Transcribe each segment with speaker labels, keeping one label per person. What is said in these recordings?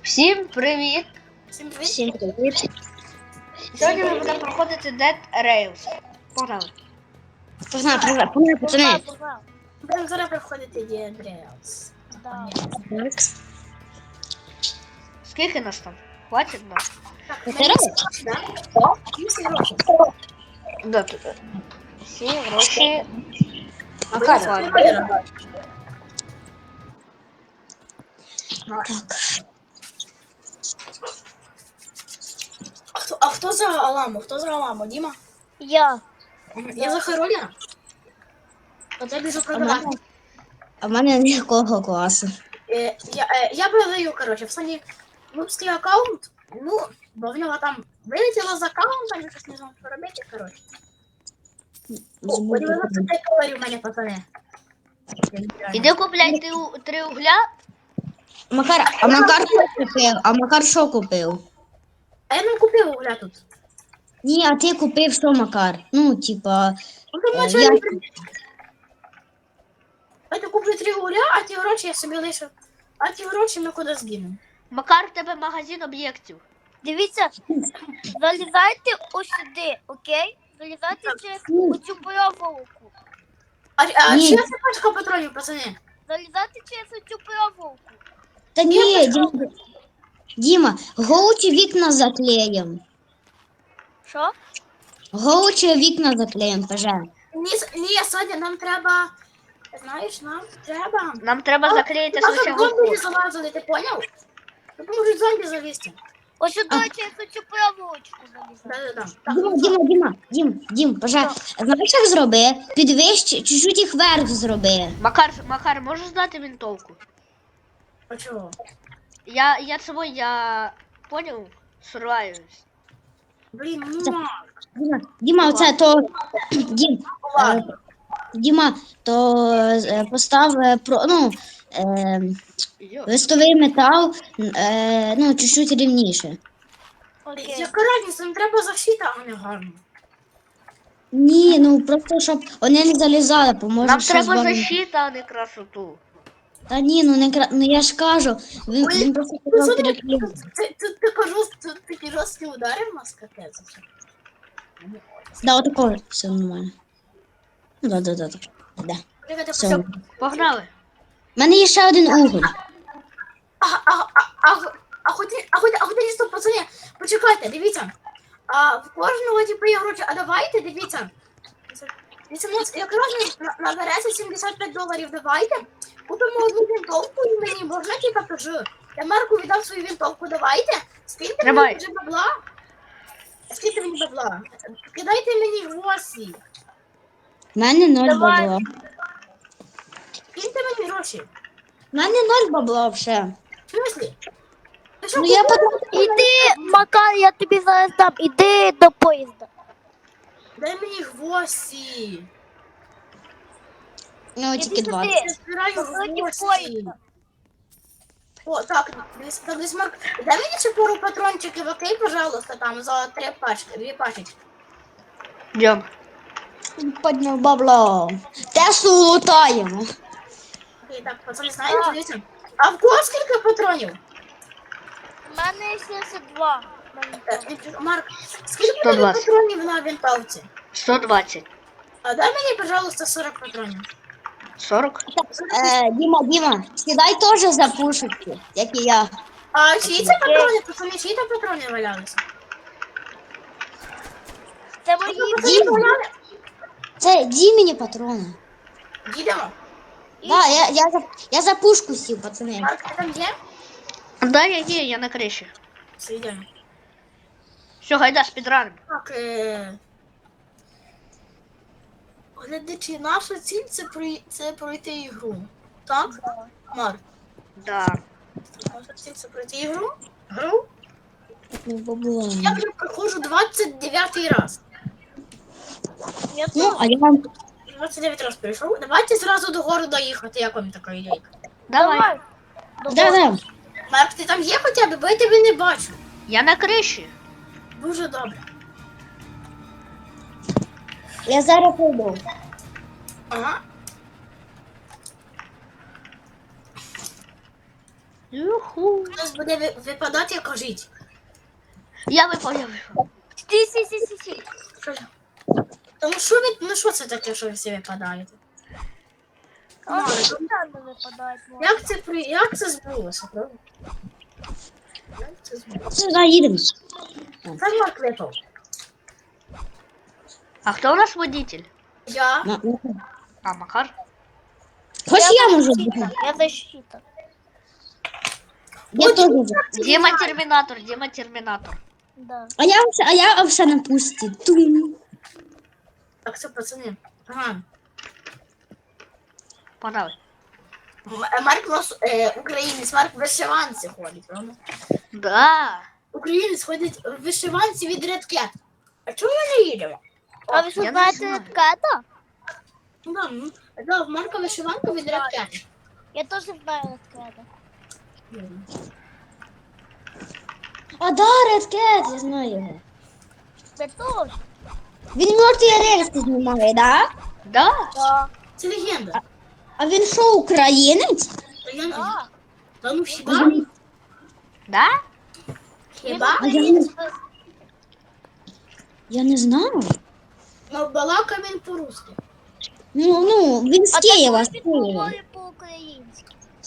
Speaker 1: Всім привіт!
Speaker 2: Всім привіт.
Speaker 3: Всім привіт.
Speaker 1: Сьогодні ми будемо проходити Dead Rails. Погнали.
Speaker 3: Погнали, пацани.
Speaker 2: Будемо зараз проходити Dead Rails.
Speaker 1: Скільки нас там? Хватить нас?
Speaker 2: Так,
Speaker 3: Це
Speaker 2: мені
Speaker 3: раз?
Speaker 2: всі гроші, да? Всі гроші.
Speaker 1: Да, тут. Всі гроші.
Speaker 2: А
Speaker 1: Макар.
Speaker 2: А хто за Аламу? Хто за Аламу? Діма?
Speaker 3: Я.
Speaker 2: Я за Хароля. От я біжу продавати.
Speaker 3: А в мене ніякого класу.
Speaker 2: Я продаю, коротше, в Сані нубський аккаунт. Ну, бо в нього там вилетіло з аккаунта, я щось не знав, що робити, коротше. О, 95 доларів в мене, пацани.
Speaker 1: Іди купляй три угля.
Speaker 3: Макар що купив? А Макар що купив?
Speaker 2: А я не купив угля тут.
Speaker 3: Ні, а ти купив що, Макар? Ну, типа,
Speaker 2: Ну, там
Speaker 3: я...
Speaker 2: начальник. Я куплю 3 угля, а ті гроші я собі лишу. А ті гроші ми куди згинемо.
Speaker 1: Макар, в тебе магазин об'єктів.
Speaker 4: Дивіться, залізайте ось сюди, окей? Залізайте через оцю проволоку.
Speaker 2: А
Speaker 3: Ні.
Speaker 2: чия це пачка патронів, пацани?
Speaker 4: Залізайте через оцю проволоку.
Speaker 3: Та ні, Діма, голучі вікна заклеїм.
Speaker 4: Що?
Speaker 3: Голучі вікна заклеїм, пожалуйста.
Speaker 2: Ні, Соня, нам треба. Знаєш, нам треба.
Speaker 1: Нам треба заклеїти
Speaker 2: Щоб
Speaker 1: спочатку
Speaker 2: зомбі не
Speaker 1: вход.
Speaker 2: залазили, ти поняв? Тут можуть зомбі залізти.
Speaker 4: Ось сюди через оцю проволочку залізайте.
Speaker 2: Да-да-да.
Speaker 3: Дім, пожалуйста. Знаєш, як зроби? Підвищ, чуть-чуть їх вверх зроби.
Speaker 1: Макар, можеш знати винтовку?
Speaker 2: А чого?
Speaker 1: Я понял? Сорваюсь.
Speaker 2: Блін, ну
Speaker 3: Діма, оце то. Діма, то постав
Speaker 1: Йо.
Speaker 3: листовий метал, ну, чуть-чуть рівніше.
Speaker 4: Окей.
Speaker 2: яка разниця, нам треба защита, а не гарно.
Speaker 3: Ні, ну просто щоб вони не залізали, поможе
Speaker 1: Нам
Speaker 3: ще
Speaker 1: треба
Speaker 3: збагнути.
Speaker 1: защита, а не красоту.
Speaker 3: Та ні, ну не ну я ж кажу, він просто казав переклеїти.
Speaker 2: Ти жорсткі удари в нас капець.
Speaker 3: Да, отако все нормально. Ну, да. Все.
Speaker 1: Погнали.
Speaker 3: У мене є ще один уголь.
Speaker 2: Стоп, пацани, почекайте, дивіться. В кожного типу є гроші, а давайте, дивіться. Дивіться, у нас якраз набереться 75 доларів, давайте. Купимо одну винтовку і мені можна, типа, кажу. Я Марку віддав свою винтовку, давайте. Скиньте
Speaker 1: Тримай.
Speaker 2: мені вже бабла. Скиньте мені бабла. Кидайте мені гроші.
Speaker 3: У мене 0
Speaker 4: Давай.
Speaker 3: бабла.
Speaker 2: Скиньте мені гроші.
Speaker 3: У мене 0 бабла вже.
Speaker 2: В смислі? Ти що,
Speaker 3: Ну я
Speaker 2: купила?
Speaker 3: потім...
Speaker 4: Іди, Макар, я тобі зараз дам, іди до поїзда.
Speaker 2: Дай мені гроші.
Speaker 3: Ну,
Speaker 4: Іди
Speaker 3: тільки 20.
Speaker 4: сюди.
Speaker 2: Я збираю
Speaker 4: Проти
Speaker 2: гроші.
Speaker 4: поїзда.
Speaker 2: О, так, десь Марк. Дай мені ще пару патрончиків, окей, пожалуйста, там за 3 пачки, 2 пачечки.
Speaker 1: Йдем.
Speaker 3: Подняв бабло. Теслу лутаємо.
Speaker 2: Окей, так, пацани, знаєте, дивіться. А в кого скільки патронів?
Speaker 4: У мене 72.
Speaker 2: Марк, скільки
Speaker 1: 120.
Speaker 2: мені патронів на винтовці?
Speaker 1: 120.
Speaker 2: А дай мені, пожалуйста, 40 патронів.
Speaker 1: 40?
Speaker 3: Діма, сідай теж за пушечки, як і я.
Speaker 2: А чиї це патрони? Пацани, чиї там патрони валялися?
Speaker 4: Це мої.
Speaker 2: Пацани валяли?
Speaker 3: Це Дімені патрони.
Speaker 2: Їдемо.
Speaker 3: Да, я за пушку сів, пацани.
Speaker 2: Марк, ти там є?
Speaker 1: Да, я на криші.
Speaker 2: Все, йдемо.
Speaker 1: Все, гайда, спідраним.
Speaker 2: Так, глядачі, наша ціль це пройти ігру. Так? Марк,
Speaker 1: Да.
Speaker 2: наша ціль це пройти ігру. Гру?
Speaker 3: Бабло.
Speaker 2: Я вже проходжу 29 раз.
Speaker 3: Ну, а я вам...
Speaker 2: 29 раз прийшов. Давайте зразу до города їхати, як вам така ідейка.
Speaker 1: Давай.
Speaker 3: Да.
Speaker 2: Марк, ти там є хоча б, бо я тебе не бачу.
Speaker 1: Я на криші.
Speaker 2: Дуже добре.
Speaker 3: Я зараз прийду.
Speaker 2: Ага.
Speaker 1: Юху.
Speaker 2: Хтось буде випадати, кажіть.
Speaker 1: Я випав, я випав.
Speaker 4: Сі.
Speaker 2: Що ж? Тому що ви, ну що це таке, що ви всі випадаєте?
Speaker 4: А
Speaker 2: Марк,
Speaker 4: спеціально випадають.
Speaker 2: як це збулося, правда? Як це збулося?
Speaker 3: Сюди їдемо.
Speaker 2: Це Марк випав.
Speaker 1: А хто у нас водитель?
Speaker 2: Я.
Speaker 1: А, Макар?
Speaker 3: Хоч я можу бути.
Speaker 4: Я защита.
Speaker 3: Я теж можу.
Speaker 1: Дима Терминатор, Дима Терминатор.
Speaker 4: Да.
Speaker 3: А я все на пусті. Тум.
Speaker 2: Так, це пацани. Ага.
Speaker 1: Погнали.
Speaker 2: Марк у нас українець, Марк в вишиванці ходить, правда?
Speaker 1: Да.
Speaker 2: Українець ходить в вишиванці від Red Cat. А чому ми не їдемо?
Speaker 4: А ви що
Speaker 1: я не
Speaker 4: знаєте
Speaker 1: знаю.
Speaker 4: Редкета?
Speaker 2: Да, в Марка вишиванка від Red Cat.
Speaker 4: Я теж знаю Редкета.
Speaker 3: А да, Red Cat, я знаю його.
Speaker 4: Ви теж?
Speaker 3: Він мертві рельси знімає, да?
Speaker 1: Да?
Speaker 4: Да.
Speaker 2: Це легенда.
Speaker 3: А він що, українець?
Speaker 2: Та я не знаю.
Speaker 4: Да.
Speaker 2: Та ну хіба?
Speaker 1: Да?
Speaker 2: Хіба?
Speaker 3: А я не знаю.
Speaker 2: Ну, балака він по-русски.
Speaker 3: Ну, він з
Speaker 4: А
Speaker 3: Києва, з
Speaker 4: так
Speaker 3: Києва.
Speaker 4: говорить по-українськи.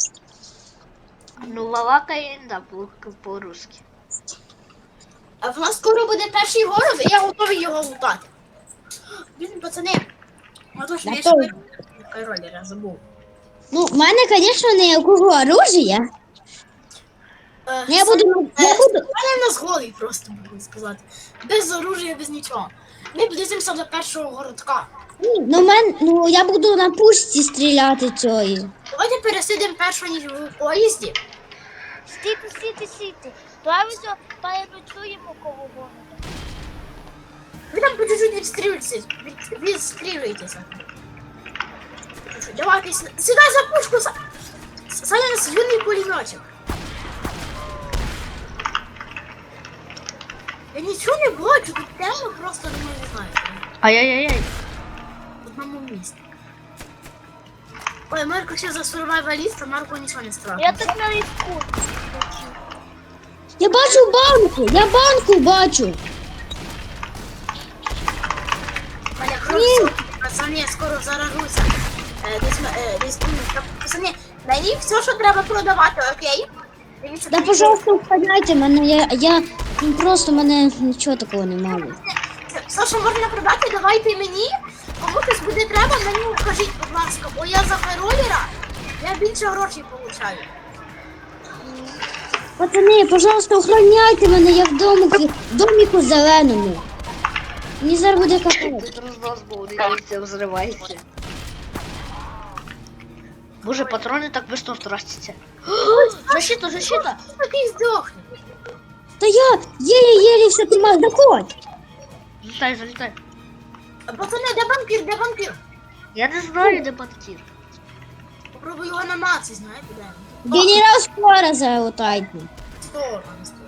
Speaker 1: Ну, Валакає, да, по-русски.
Speaker 2: А в нас скоро буде перший город, і я готовий його лутати. Блін, пацани. А то ж
Speaker 3: Да
Speaker 2: я
Speaker 3: то-
Speaker 2: ще ролера забув.
Speaker 3: Ну, в мене, звісно, ніякого оружия. Ну, я буду...
Speaker 2: Мене в нас голий просто, можна сказати. Без оружия, без нічого. Ми близимося до першого городка.
Speaker 3: Ну, я буду на пушці стріляти цієї.
Speaker 2: Давайте пересидимо першого ніж в поїзді.
Speaker 4: Стійте. Правильно переночуємо коло города.
Speaker 2: Ви там по чуть-чуть відстрілюєтеся. Давайте, сідай за пушку, Саня нас юний пулеметчик. Я нічого не бачу, тут темно просто не знаю.
Speaker 1: Ай-яй-яй.
Speaker 2: В одному місці. Ой, Марко ще за сурвайваліста, Марко нічого не страшно.
Speaker 4: Я так на різку.
Speaker 3: Я бачу банку, я банку бачу.
Speaker 2: Мене кров, пацани, я скоро заражуся. Пацани, мені все, що треба продавати, окей? Дивіться,
Speaker 3: Да,
Speaker 2: мені
Speaker 3: пожалуйста, входяйте, я просто мене нічого такого немає.
Speaker 2: все, що можна продати, давайте мені. Кому хтось буде треба, мені кажіть, будь ласка, бо я за феролера, я більше грошей получаю.
Speaker 3: Пацани, пожалуйста, охороняйте мене, я в доміку зеленому. Мені зараз буде капець.
Speaker 1: Тут разнос был, дивіться, взривається. Боже, патроны так быстро тратятся. Защита!
Speaker 2: Такий здохне.
Speaker 3: Та я єлі все тримаю, заходь.
Speaker 1: Залетай.
Speaker 2: Пацани, де банкір?
Speaker 1: Я не знаю, де банкір.
Speaker 2: Попробую його намацати, знаєте, де він?
Speaker 3: Генерал скоро залутайте.
Speaker 2: Сто.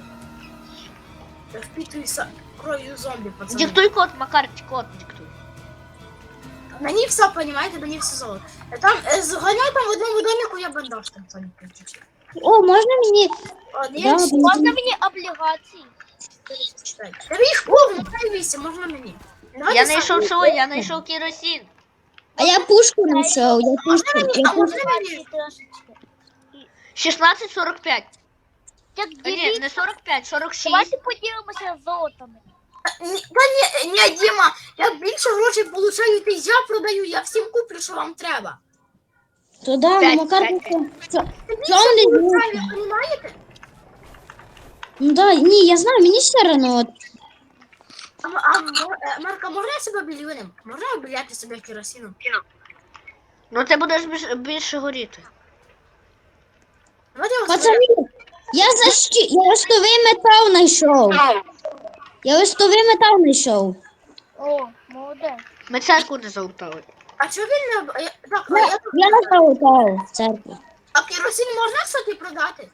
Speaker 2: Я впитуюся кров'ю зомбі, пацани.
Speaker 1: Диктуй код, Макар, код диктуй.
Speaker 2: Мені все, понімаєте, мені все золото. Там, зганяй там в одному доміку, я бандаж там сонька.
Speaker 3: О, можна мені?
Speaker 2: Один,
Speaker 3: Да,
Speaker 4: Можна мені облігації?
Speaker 2: 4, Та їх повно, дай 8, можна мені. Давайте
Speaker 1: Я
Speaker 2: сам.
Speaker 1: знайшов що? Я знайшов керосин.
Speaker 3: А я пушку знайшов, я пушку.
Speaker 2: А можна мені?
Speaker 4: Облігації трошечки.
Speaker 1: 16:45.
Speaker 4: Як
Speaker 1: А, ні,
Speaker 4: дивіться,
Speaker 1: не 45, 46.
Speaker 4: давайте поділимося золотами.
Speaker 2: Та ні, Діма, я більше грошей получаю, ти я продаю, я всім куплю, що вам треба.
Speaker 3: То да,
Speaker 1: П'ять,
Speaker 3: ну Макар,
Speaker 1: п'ять,
Speaker 2: Ти більше
Speaker 3: Чому не
Speaker 2: получаю, ви розумієте?
Speaker 3: ну да, ні, я знаю, мені все одно. От.
Speaker 2: Марка, можна я себе білюнем? Можна обіляти себе керосином?
Speaker 1: Ну ти будеш більше горіти.
Speaker 2: Давайте я
Speaker 3: Пацани, я листовий метал знайшов. Я листовий метал знайшов.
Speaker 4: О, молодець.
Speaker 1: Ми церкву не залутали.
Speaker 2: А чого він не... Так,
Speaker 3: Я залутав в церкві.
Speaker 2: А керосин можна, кстати, продати?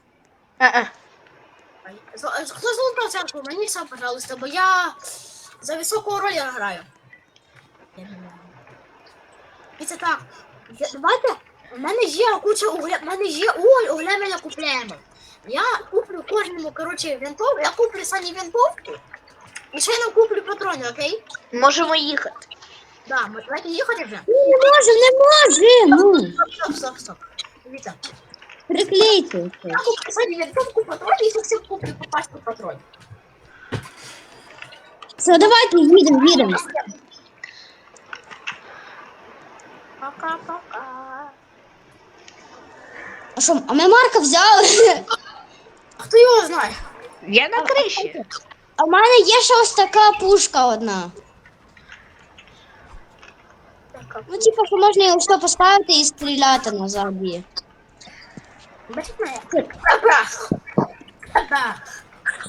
Speaker 2: Хто золотав церкву? Мені сам, пожалуйста, бо я за високого роля граю. І це так. Давайте, в мене є куча угля, в мене є уголь, угля ми не купляємо. Я куплю кожному, коротше, винтовку, я куплю Сані винтовку, і ще не куплю патрони, окей?
Speaker 1: Можемо їхати.
Speaker 2: Да, ми давайте їхати вже.
Speaker 3: Не можемо.
Speaker 2: Стоп. Дивіться.
Speaker 3: Приклейте.
Speaker 2: Я куплю Сані винтовку, патрони, і всім куплю по пачку патронів.
Speaker 3: Все, давайте їдемо.
Speaker 2: Пока-пока.
Speaker 3: А що, а ми Марка взяли?
Speaker 2: А хто його знає?
Speaker 1: Я на криші.
Speaker 3: А в мене є ще ось така пушка одна. Ну, типу, що можна його що поставити і стріляти назад її.
Speaker 2: Бачите мене? Бабах! Бабах!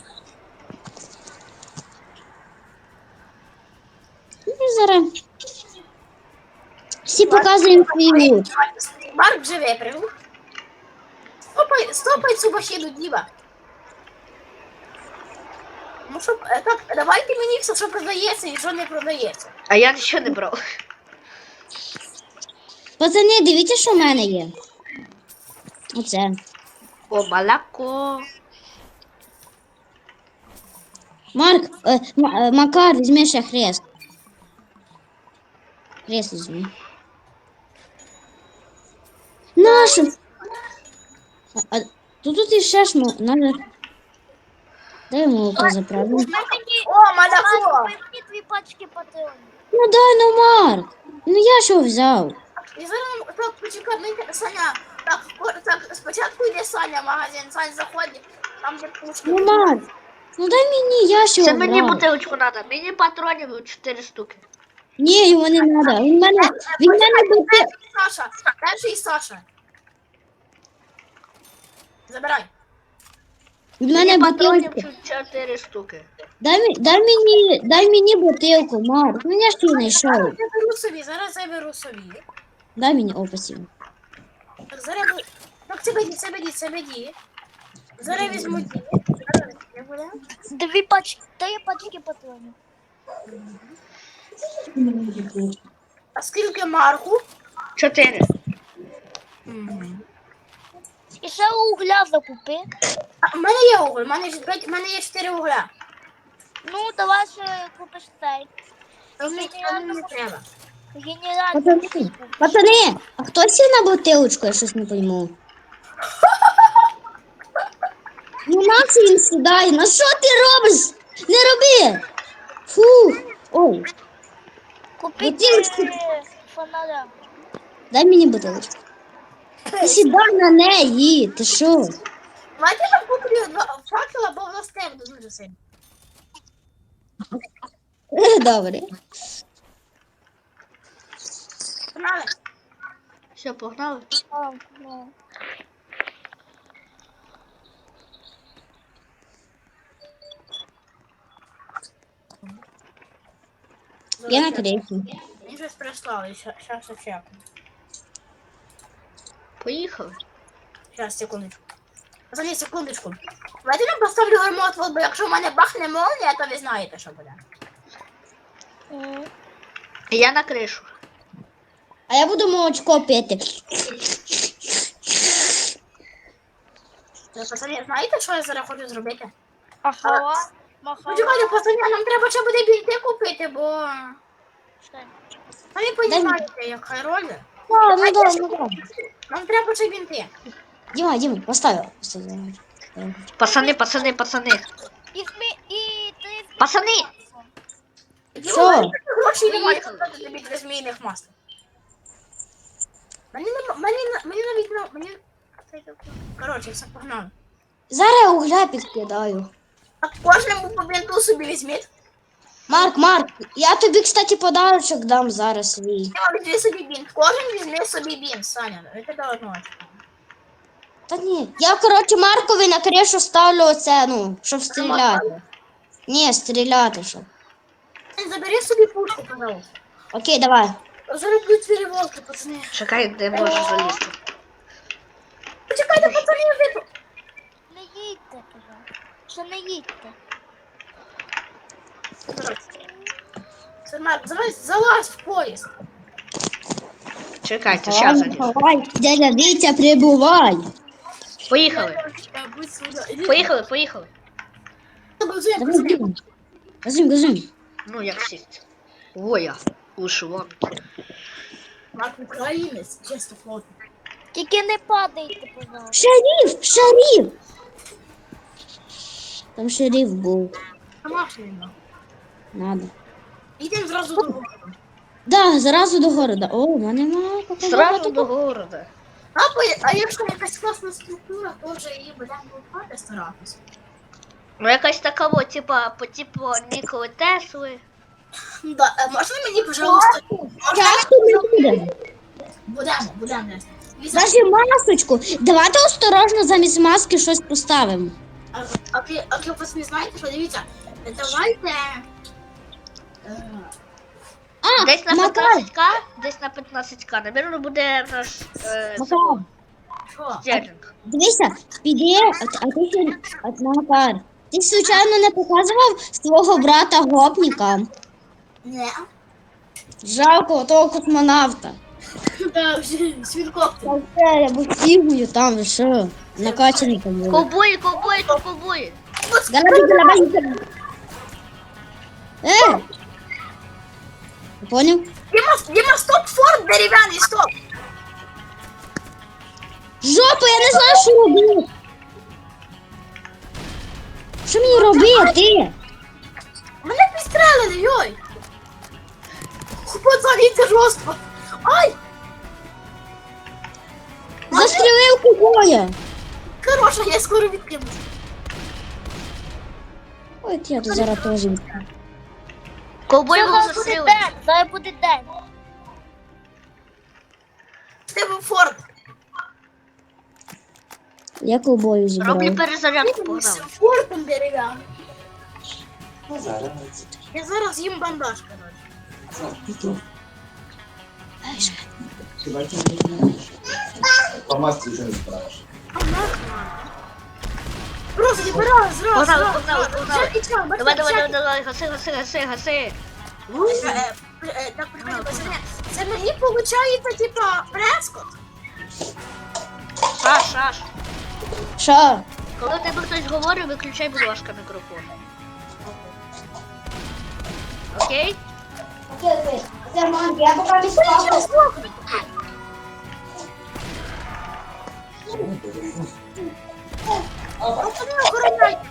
Speaker 3: Ну, зараз. Всі показуємо свій лут.
Speaker 2: Марк вже випрыгнув. Стопай цю машину, Діма. Ну, щоб, так, давайте мені все, що продається і що не продається.
Speaker 1: А я нічого не брав.
Speaker 3: Пацани, дивіться, що в мене є. Оце.
Speaker 1: О, молоко.
Speaker 3: Марк, Макар, візьми ще хрест. Хрест візьми. Нашу. Тут іще ж надо. Дай молоко заправимо.
Speaker 2: О, молоко!
Speaker 4: Мені 2 пачки патронів.
Speaker 3: Ну дай, ну Марк. Ну я що взяв?
Speaker 2: І зараз, так, почекай, Саня, так, спочатку йде Саня в магазин, Саня заходить, там де пушки.
Speaker 3: Ну Марк. Ну дай мені, я що
Speaker 1: Це мені
Speaker 3: брав.
Speaker 1: бутилочку треба. Мені патронів 4 штуки.
Speaker 3: Ні, його не треба. Він мене бути.
Speaker 2: Саша, перший Саша. Забирай.
Speaker 3: Від мене
Speaker 1: Мені патронів
Speaker 3: бутилку.
Speaker 1: 4 штуки.
Speaker 3: Дай мені бутилку, Марк. Ну я ж її знайшов.
Speaker 2: Зараз заберу собі.
Speaker 3: Дай мені описів.
Speaker 2: Так, зараз буду. Так, це беді. Зараз візьму ді. Зараз не буде.
Speaker 4: 2 пачки, 3 пачки патронів.
Speaker 2: А скільки Марку?
Speaker 1: 4.
Speaker 4: І ще угля закупи.
Speaker 2: А, в мене є уголь, в мене є 4 угля.
Speaker 4: Ну, давай ще купиш цей.
Speaker 2: Мені не треба.
Speaker 4: Генеральний.
Speaker 3: Пацани, а хто сів на бутилочку, я щось не пойму. Ну на це він сідає. На що ти робиш? Не роби! Фу! Ой,
Speaker 4: Купіть
Speaker 3: Бутилочку.
Speaker 4: фонаря.
Speaker 3: дай мені бутилочку. Ти сідай на неї, ти що?
Speaker 2: Давайте я куплю 2 факела, бо в нас темно дуже сильно.
Speaker 3: Добре.
Speaker 2: Погнали.
Speaker 1: Все, погнали.
Speaker 4: А, ну.
Speaker 3: Я на крейсі.
Speaker 2: Мені щось прислали, щас чекаю.
Speaker 1: Поїхали.
Speaker 2: Щас, секундочку. Пацани, секундочку. Давайте я поставлю гармот, бо якщо в мене бахне молнія, то ви знаєте, що буде.
Speaker 1: Я на кришу.
Speaker 3: А я буду молочко пити.
Speaker 2: Пацани, знаєте, що я зараз хочу зробити?
Speaker 4: Ахава. Махава.
Speaker 2: Почекайте, пацани, нам треба ще буде бінти купити, бо... Самі розумієте, яка роль.
Speaker 3: Ну да.
Speaker 2: Нам треба ще бінти.
Speaker 3: Дима, поставь.
Speaker 1: Пацани.
Speaker 4: І ти...
Speaker 1: Пацани!
Speaker 3: Що?
Speaker 2: Гроші немає, щоб тобі 3 змійних масла. Мені навіть... Коротше, все, погнали.
Speaker 3: Зараз я угля підкидаю.
Speaker 2: Так кожному по бінту собі візьміть.
Speaker 3: Марк, я тобі, кстати, подарочок дам зараз свій.
Speaker 2: Я візьми собі бінт. Кожен візьме собі бінт, Саня. Ви тебе одного.
Speaker 3: Та ні. Я, коротше, Маркові на кришу ставлю оце, ну, щоб стріляти. Ні, стріляти, щоб.
Speaker 2: Забери собі пушку, пожалуйста.
Speaker 3: Окей, давай.
Speaker 2: Зараз будуть перевозки, пацани.
Speaker 1: Чекай, де можу залізти.
Speaker 2: Почекайте, пацани, я випу.
Speaker 4: Не їдьте, пожалуйста. Ще не їдьте.
Speaker 2: Марк, залазь в поїзд.
Speaker 1: Чекайте, зараз залізу.
Speaker 3: Давай, дядя Вітя, прибувай.
Speaker 1: Поїхали.
Speaker 2: Будь сюди. Іди.
Speaker 1: Поїхали, поїхали.
Speaker 2: Газуємо,
Speaker 3: Давай,
Speaker 2: пацани.
Speaker 3: бігом. Газуємо.
Speaker 1: Ну, як сість. Воя. Вишиванки.
Speaker 2: Марк українець, чисто фото.
Speaker 4: Тільки не падайте, пожалуйста.
Speaker 3: Шериф! Там шериф був.
Speaker 2: Домашній.
Speaker 3: Надо.
Speaker 2: Йдемо зразу до городу.
Speaker 3: Да, зразу до города. О, у мене мало
Speaker 1: Сразу до города.
Speaker 2: А якщо якась класна структура, то вже її будемо вивчати старатися.
Speaker 1: Ну, якась така, от, типа, по типу Ніколи Тесли.
Speaker 2: Да, можна мені, пожалуйста?
Speaker 3: Часто не будемо.
Speaker 2: Будемо.
Speaker 3: Даже масочку. Давайте осторожно замість маски щось поставимо.
Speaker 2: А ви просто не знаєте, що дивіться, давайте...
Speaker 1: Десь на
Speaker 3: Макар,
Speaker 1: 15к, десь на 15к. Напевно, буде наш
Speaker 3: Макар,
Speaker 2: Що?
Speaker 1: стерлінг.
Speaker 3: дивися, піди, а ти ще, Макар, ти случайно не показував свого брата гопніка?
Speaker 2: Не.
Speaker 3: Жалко того космонавта.
Speaker 2: Да, вже свінкоптер.
Speaker 3: Та все, я був фігую там, що, накачаний там був.
Speaker 1: Ковбої, тут ковбої.
Speaker 3: Галабай. Ти поняв?
Speaker 2: Дима, стоп, форт дерев'яний, стоп.
Speaker 3: Жопа, я не знаю, що робити. Що мені робити?
Speaker 2: Мене підстрелили, йой. Пацани, це жорстко. Ай,
Speaker 3: Застрілив кубоя.
Speaker 2: хороша, я скоро відкинусь.
Speaker 3: Ой, я тут зараз теж.
Speaker 1: Ковбої був
Speaker 4: Зараз буде
Speaker 1: застрілений.
Speaker 4: день, зараз буде день.
Speaker 2: В тебе форт.
Speaker 3: Я кубою
Speaker 1: Роблю
Speaker 3: зібрав.
Speaker 1: перезарядку,
Speaker 2: З
Speaker 1: погнали.
Speaker 2: фортом дерев'яним. Я зараз їм бандаж, коротше.
Speaker 5: По маске еще не справишь.
Speaker 2: Просто забираю зразу.
Speaker 1: Погнали.
Speaker 2: І чого,
Speaker 1: Давай, гаси.
Speaker 2: Так, прикольно, пацани. Це мені виходить, типа, прескот.
Speaker 1: Шаш.
Speaker 3: Що?
Speaker 1: Коли в тебе хтось говорить, виключай, будь ласка, мікрофон. Окей?
Speaker 3: Я поки
Speaker 2: Пацани, охороняйте.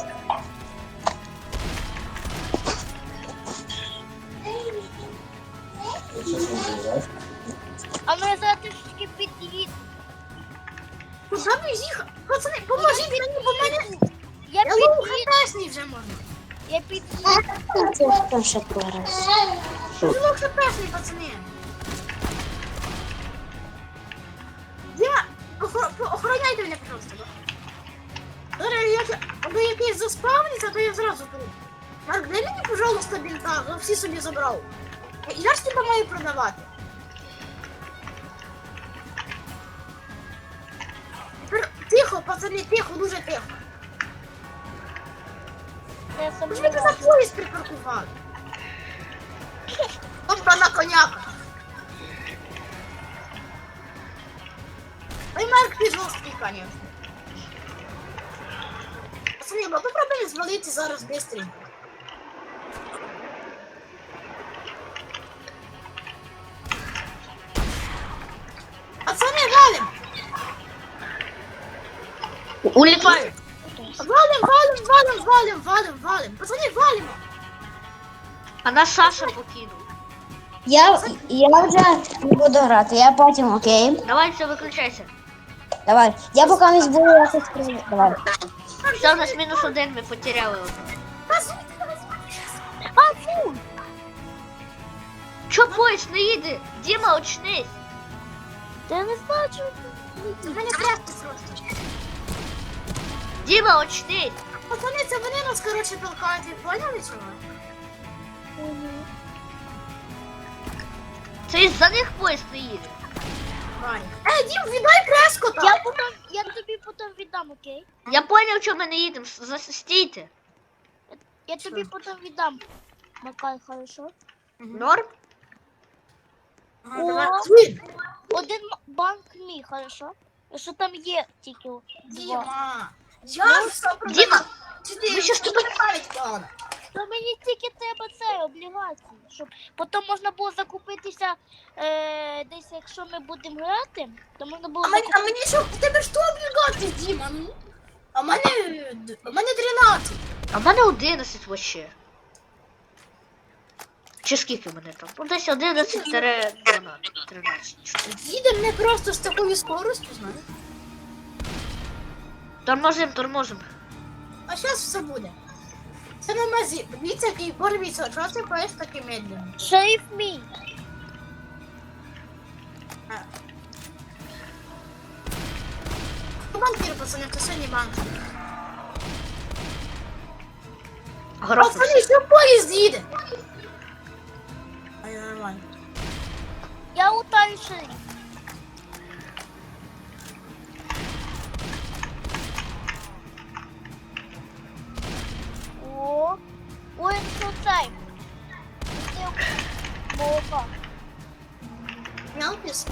Speaker 5: Сейчас он заезжает.
Speaker 4: А ну я зараз трішки під'їду.
Speaker 2: Куди ми їхали? Пацани, поможіть мені, бо мене...
Speaker 4: Я
Speaker 2: Я лову
Speaker 4: під'їду,
Speaker 2: хатешний вже можна.
Speaker 4: я під'їду.
Speaker 3: там ще пораз.
Speaker 2: Я лову хатешний, пацани. Дима, охороняйте мене, пожалуйста. Аби якийсь заспавниться, то я зразу тут. Марк, дай мені, пожалуйста, бінта, я всі собі забрав. Я ж тебе маю продавати. Тепер тихо, пацани, тихо, дуже тихо.
Speaker 4: Я
Speaker 2: Ви ж мене на поїзд припаркували. Тобто на коняка. Ой, Марк, ти жорсткий, конечно. Пацани, ми попробуємо звалити зараз быстренько. Пацани, валим!
Speaker 1: Уліпай!
Speaker 2: Валим! Пацани, валим!
Speaker 1: А нас Саша покинув.
Speaker 3: Я вже не буду грати, я потім, окей?
Speaker 1: Давай, все, виключайся.
Speaker 3: Давай. Я поки не буду якось прийняти. Давай.
Speaker 1: Все, у нас -1, ми потеряли одного.
Speaker 4: А, фу!
Speaker 1: Чо поїзд не їде? Діма, очнись.
Speaker 4: Та я не знаю, чого.
Speaker 2: Це в мене крепко просто.
Speaker 1: Діма, очнись.
Speaker 2: Пацани, це вони нас, коротше, толкають, ви поняли чого?
Speaker 1: Це із-за них поїзд не їде.
Speaker 2: Дім, віддай Прескота!
Speaker 4: Я тобі потім віддам, окей?
Speaker 1: Я поняв, чому ми не їдемо. Стійте.
Speaker 4: Я тобі потім віддам. Макай, хорошо?
Speaker 1: Норм?
Speaker 2: Давай.
Speaker 4: Один банк мій, хорошо? Що там є тільки два.
Speaker 2: Діма, я ж все продав.
Speaker 1: Діма,
Speaker 2: Чотири,
Speaker 1: ми щас
Speaker 2: що тобі пам'ять плана?
Speaker 4: То мені тільки треба це, облігації. Щоб потім можна було закупитися десь, якщо ми будемо грати, то можна було
Speaker 2: А мені що, в тебе що облігації, Діма? Ну? А в мене 13.
Speaker 1: а в мене 11 вообще. Чи скільки в мене там? Ну, десь 11-12, 13.
Speaker 2: Їде мене просто з такою скоростю, знаєш.
Speaker 1: Тормозим.
Speaker 2: А зараз все буде. Це на мазі. Дивіться, який борвіться, чого ти поїш таки медленно?
Speaker 4: Шериф мій.
Speaker 2: Банкір, пацани, це сьогодні банк.
Speaker 1: Грохнувся.
Speaker 2: Пацани, що поїзд їде? А я нормально.
Speaker 4: Я лутаю шериф. О, ой, що цей. Молока.
Speaker 2: Мелкіс.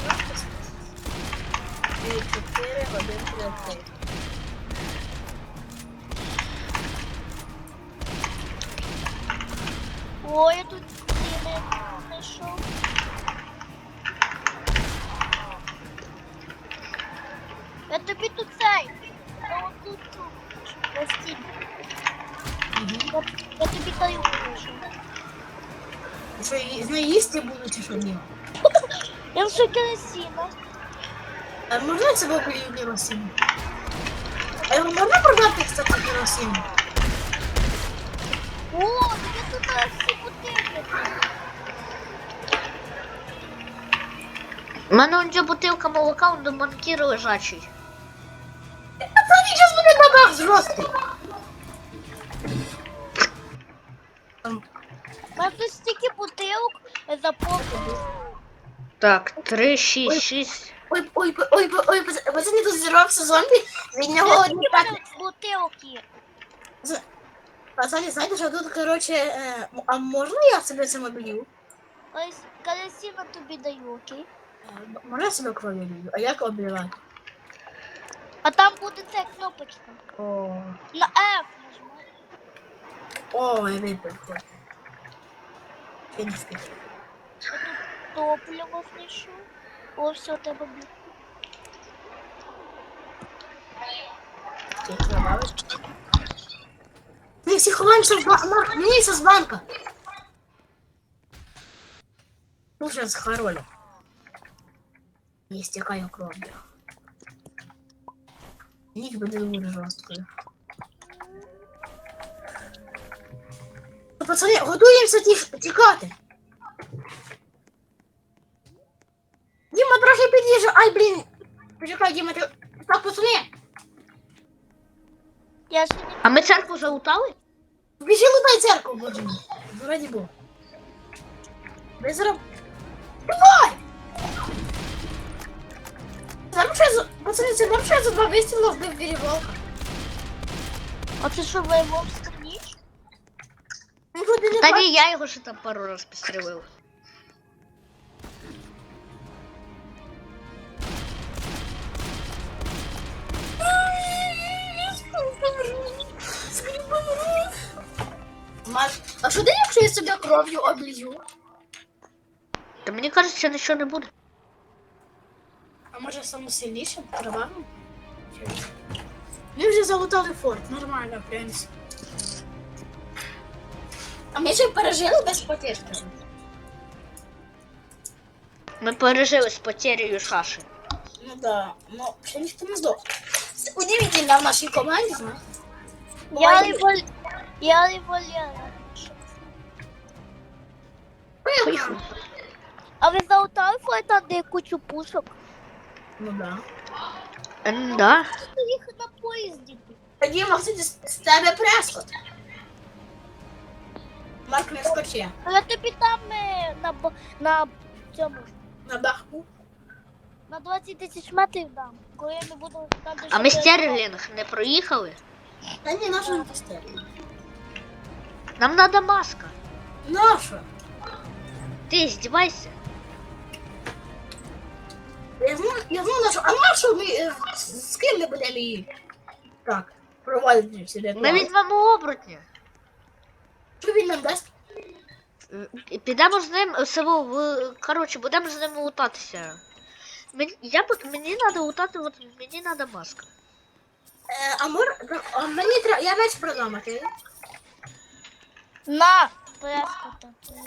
Speaker 2: 4, 1, 3.
Speaker 4: Ой, я тут не знайшов. Я тобі тут цей. Тут постіль. Я тобі даю гроші.
Speaker 2: Що, з нею їсти буду чи що, Діма?
Speaker 4: Я вже керосина.
Speaker 2: А можна це було керосину? А його можна продати, кстати, керосину?
Speaker 4: О, я тут всі бутилки.
Speaker 1: У мене он бутилка молока, он до банкіра лежачий.
Speaker 2: Пацани, зараз буде бабах зрости.
Speaker 4: У мене тут стільки бутилок заповнені.
Speaker 1: Так, 3, 6, 6.
Speaker 2: Ой, пацани, тут зірвався зомбі, від нього одні п'ятні.
Speaker 4: Бутилки.
Speaker 2: Пацани, знаєте, що тут, короче, а можна я себе це обілью?
Speaker 4: Ось керосина тобі даю, окей?
Speaker 2: Можна я себе кров'ю обілью? А як обливати?
Speaker 4: А там буде ця кнопочка.
Speaker 2: О,
Speaker 4: На F нажимай.
Speaker 2: я випив. Я не встиг.
Speaker 4: Топливо знайшов. О, все, тебе б'ю.
Speaker 2: Ми всі ховаємося в банк. Мені з банка. Ну, зараз хоролю. Не стікаю кров'ю. Ніч буде дуже жорсткою. Пацани, готуємося тікати. Діма, трохи під'їжджа. Ай, блін. Почекай, Діма, ти... Так, пацани.
Speaker 4: Я ще не...
Speaker 1: А ми церкву залутали?
Speaker 2: Біжи лутай церкву, боже мій. Раді Бога. Ви зараз... Давай! Пацани, це нам ще за 2 вистріла вбив переволка.
Speaker 4: А це що, воєвовська ніч?
Speaker 2: Він ходи не
Speaker 1: Та
Speaker 2: бачить.
Speaker 1: ні, я його ще там пару раз підстрелив.
Speaker 2: А що ти, якщо я себе кров'ю облью?
Speaker 1: Та мені кажеться, нічого не буде.
Speaker 2: А може самосильніше, кровавим? Ми вже залутали форт, нормально, в принципі. А ми ще пережили без потерь.
Speaker 1: Ми пережили з потерею шаші.
Speaker 2: Ну да, но ще ніхто не здох. Це удивительно в нашій команді, знаєш.
Speaker 4: Я револьвер.
Speaker 1: Поїхали.
Speaker 4: А ви залутали флайта, де кучу пушок?
Speaker 2: Ну да.
Speaker 1: Да.
Speaker 4: Їх на поїзді.
Speaker 2: Тоді Максим з тебе прескот. Марк не скоче.
Speaker 4: А я тобі там на цьому,
Speaker 2: На даху.
Speaker 4: на 20 тисяч метрів дам. Коли ми будемо там
Speaker 1: А ми Стерлінг не проїхали?
Speaker 2: Та ні, наша не постелі.
Speaker 1: Нам надо маска.
Speaker 2: Наша.
Speaker 1: Ти здівайся.
Speaker 2: Я знаю нашу. А нашу ми і так, проводити сюди.
Speaker 1: Ми візьмемо оборотня.
Speaker 2: Що він нам дасть?
Speaker 1: Підемо з ним село в. Коротше, будемо з ним лутатися. Мені треба лутати, от мені треба маска.
Speaker 2: А мені треба, я меч продам, а ти?
Speaker 4: На! Прескота.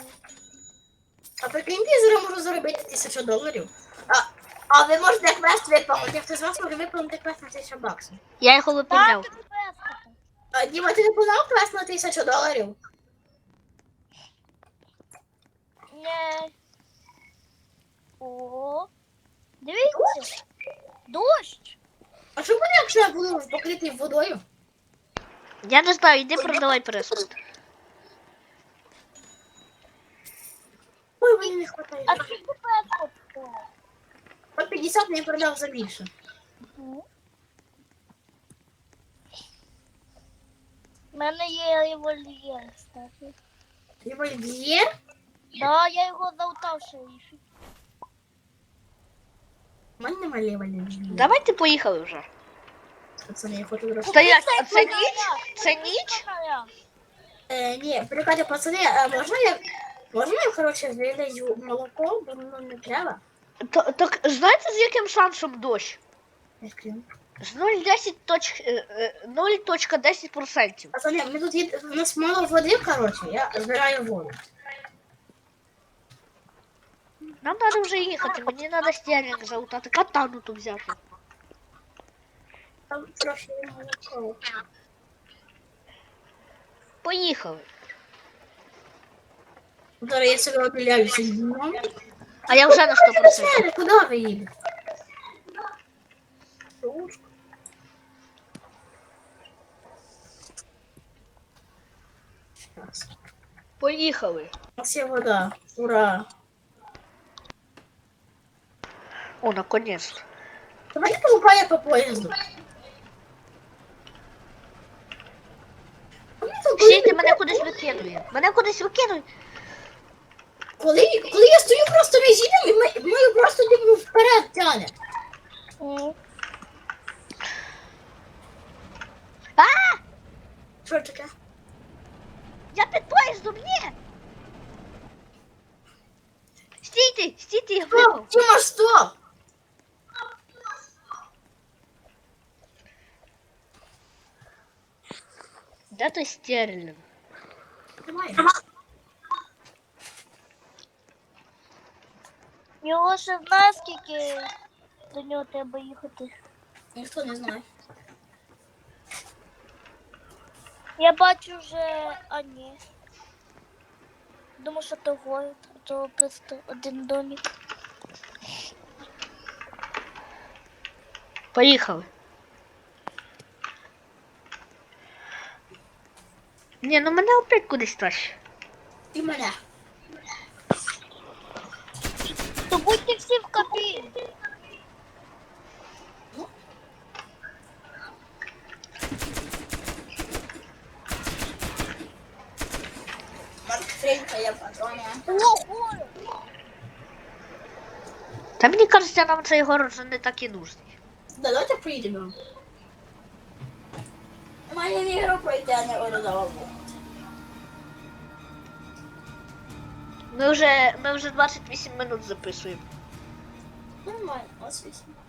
Speaker 2: А прикиньте, я зараз можу заробити $1000. А ви можете квест виповнити, хто з вас може виповнити квест на $1000.
Speaker 1: Я його виповняв.
Speaker 4: Так, прескота.
Speaker 2: А Діма, ти виконав квест на $1000?
Speaker 4: Ні. О, дивіться. Дощ.
Speaker 2: А що буде, якщо я буду покритий водою?
Speaker 1: Я не знаю, іди продавай преску.
Speaker 2: Ой, мені не хватає.
Speaker 4: А скільки прескот стоїть?
Speaker 2: По 50 не продав за більше.
Speaker 4: У мене є револьвер, кстати.
Speaker 2: Револьвер?
Speaker 4: Да, я його залутав шерифі.
Speaker 2: У мене немає револьвера.
Speaker 1: Давайте поїхали вже.
Speaker 2: Пацани, я хочу зробити.
Speaker 1: Стоять, а це ніч? Це ніч?
Speaker 2: Ні, прикладе, пацани, можна я, коротше, вилежу молоко, бо воно не треба?
Speaker 1: Так знаєте, з яким шансом дощ?
Speaker 2: Я скрину.
Speaker 1: З 0,10%.
Speaker 2: Пацани, ми тут є, у нас мало води, коротше, я збираю воду.
Speaker 1: Нам треба вже їхати, мені треба стерлінг залутати, катану тут взяти.
Speaker 2: Там трохи молоко.
Speaker 1: Поїхали.
Speaker 2: Зараз я себе обіляюся з днем.
Speaker 1: А я вже на 100%.
Speaker 2: Куди ви їдете? Щас.
Speaker 1: Поїхали.
Speaker 2: У нас є вода. Ура!
Speaker 1: О, наконец-то.
Speaker 2: Давайте полупає по поїзду.
Speaker 1: Стійте, мене кудись викидує. Мене кудись викидує.
Speaker 2: Коли я стою просто між їдем, і мною просто типу вперед тяне.
Speaker 1: А!
Speaker 2: Що таке?
Speaker 1: Я під поїздом, ні! Стійте, я випав.
Speaker 2: Стоп, Тіма, стоп!
Speaker 1: Де той стерлінг?
Speaker 2: Давай.
Speaker 4: Його ще знає, скільки до нього треба їхати.
Speaker 2: Ніхто не знає.
Speaker 4: Я бачу вже, а ні. Думаю, що то город, а то просто один домик.
Speaker 1: Поїхали. Ні, ну мене опять кудись тащить.
Speaker 2: І мене.
Speaker 4: То будьте всі в кабіні.
Speaker 2: Маркфрейнка я патрони.
Speaker 4: О, город!
Speaker 1: Та мені кажеться, нам цей город вже не так і нужний.
Speaker 2: Давайте поїдемо. Мені не ігру пройти, а не орудова.
Speaker 1: Ми вже 28 минут записуємо.
Speaker 2: Нормально, ось 8.